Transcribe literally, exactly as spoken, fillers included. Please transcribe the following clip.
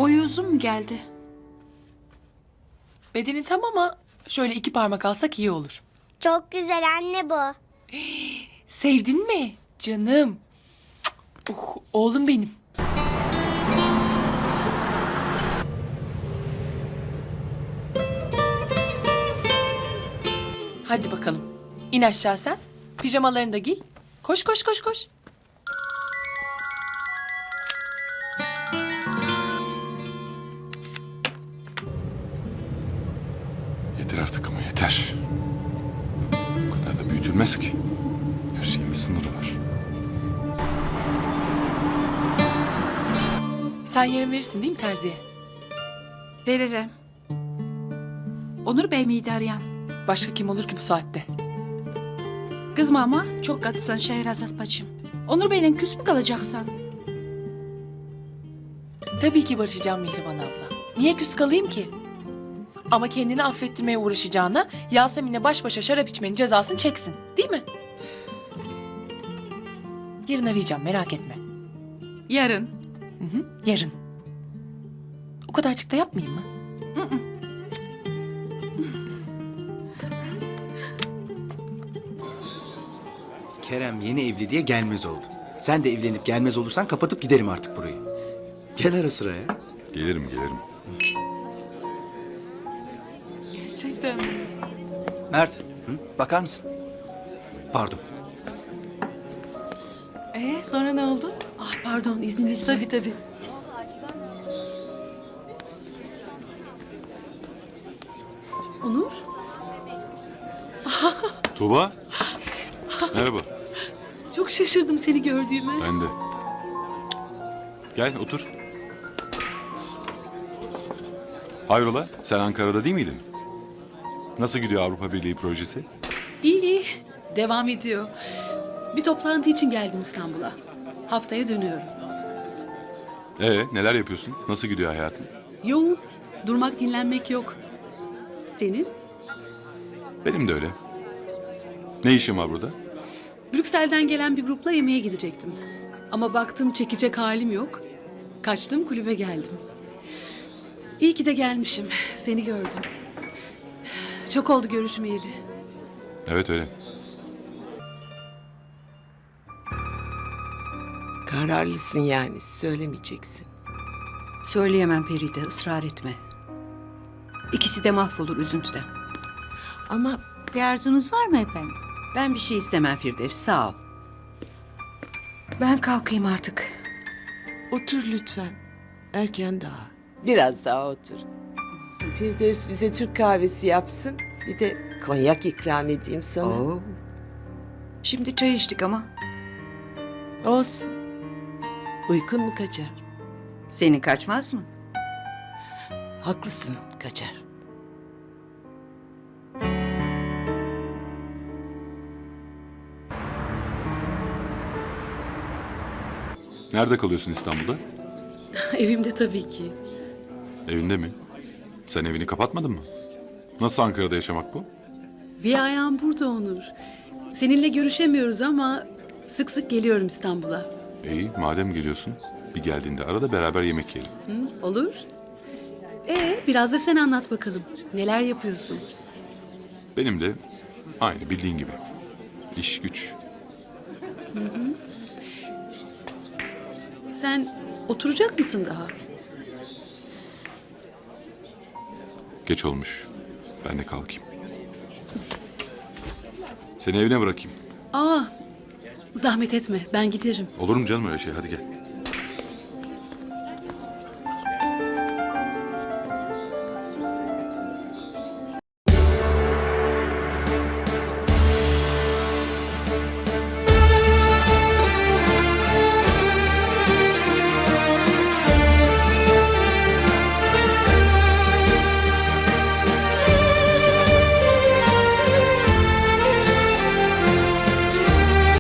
Boyu uzun mu geldi? Bedeni tam ama şöyle iki parmak alsak iyi olur. Çok güzel anne bu. Sevdin mi? Canım. Oh, oğlum benim. Hadi bakalım. İn aşağı sen. Pijamalarını da giy. Koş koş koş koş. Yeter artık ama yeter. Bu kadar da büyütülmez ki. Her şeyin bir sınırı var. Sen yarın verirsin değil mi terziye? Veririm. Onur Bey miydi arayan? Başka kim olur ki bu saatte? Kızma ama çok katısın Şehrazat bacım. Onur Bey'le küs mü kalacaksan? Tabii ki barışacağım Mihriban abla. Niye küs kalayım ki? Ama kendini affettirmeye uğraşacağına Yasemin'le baş başa şarap içmenin cezasını çeksin. Değil mi? Yarın arayacağım, merak etme. Yarın. Hı hı, yarın. O kadarcık da yapmayayım mı? Hı hı. Kerem yeni evli diye gelmez oldu. Sen de evlenip gelmez olursan kapatıp giderim artık burayı. Gel ara sıra ya. Gelirim gelirim. Gerçekten mi? Mert, hı? Bakar mısın? Pardon. Ee, sonra ne oldu? Ah pardon izninizle. Tabii tabii. Onur? Tuğba. Merhaba. Çok şaşırdım seni gördüğüme. Ben de. Gel otur. Hayrola? Sen Ankara'da değil miydin? Nasıl gidiyor Avrupa Birliği projesi? İyi iyi. Devam ediyor. Bir toplantı için geldim İstanbul'a. Haftaya dönüyorum. Ee, neler yapıyorsun? Nasıl gidiyor hayatın? Yoğun. Durmak dinlenmek yok. Senin? Benim de öyle. Ne işin var burada? Brüksel'den gelen bir grupla yemeğe gidecektim. Ama baktım çekecek halim yok. Kaçtım kulübe geldim. İyi ki de gelmişim. Seni gördüm. Çok oldu görüşmeyeli. Evet öyle. Kararlısın yani, söylemeyeceksin. Söyleyemem Feride, ısrar etme. İkisi de mahvolur üzüntüden. Ama Bir arzunuz var mı efendim? Ben bir şey istemem Firdevs, sağ ol. Ben kalkayım artık. otur lütfen. Erken daha. Biraz daha otur. Firdevs bize Türk kahvesi yapsın. Bir de konyak ikram edeyim sana. Oo. Şimdi çay içtik ama Olsun. Uykun mu kaçar? senin kaçmaz mı? Haklısın, kaçar. Nerede kalıyorsun İstanbul'da? Evimde tabii ki. Evinde mi? Sen evini kapatmadın mı? Nasıl Ankara'da yaşamak bu? Bir ayağım burada Onur. Seninle görüşemiyoruz ama sık sık geliyorum İstanbul'a. İyi, madem geliyorsun, bir geldiğinde arada beraber yemek yiyelim. Hı, olur. Ee, biraz da sen anlat bakalım. Neler yapıyorsun? Benim de aynı bildiğin gibi. İş güç. Sen oturacak mısın daha? Geç olmuş. Ben de kalkayım. Seni evine bırakayım. Aa, zahmet etme. Ben giderim. Olur mu canım öyle şey? Hadi gel.